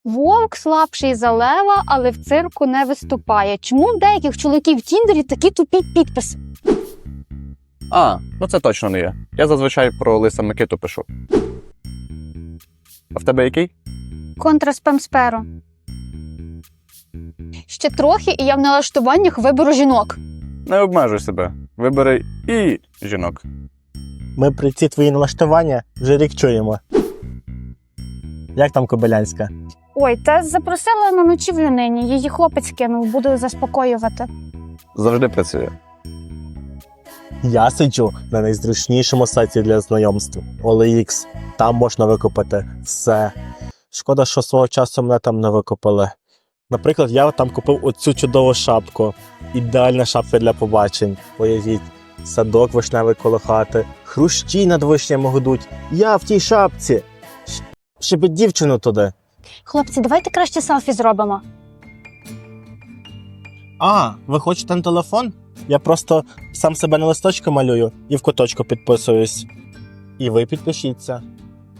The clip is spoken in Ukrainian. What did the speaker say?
Вовк слабший за лева, але в цирку не виступає. Чому в деяких чоловіків в Тіндері такі тупі підписи? Ну це точно не я. Я зазвичай про Лиса Микиту пишу. А в тебе який? Контра спамсперо. Ще трохи, і я в налаштуваннях виберу жінок. Не обмежуй себе. Вибери і жінок. Ми при ці твої налаштування вже рік чуємо. Як там Кобилянська? Ой, та запросила на ночівлю нині. Її хлопець кинув, буду заспокоювати. Завжди працює. Я сиджу на найзручнішому сайті для знайомств OLX. Там можна викупити все. Шкода, що свого часу мене там не викупили. Наприклад, я там купив оцю чудову шапку. Ідеальна шапка для побачень. Уявіть, садок вишневий коло хати, хрущі над вишнями гудуть. Я в тій шапці. Ще би дівчину туди. Хлопці, давайте краще селфі зробимо. Ви хочете на телефон? Я просто сам себе на листочку малюю і в куточку підписуюсь. І ви підпишіться.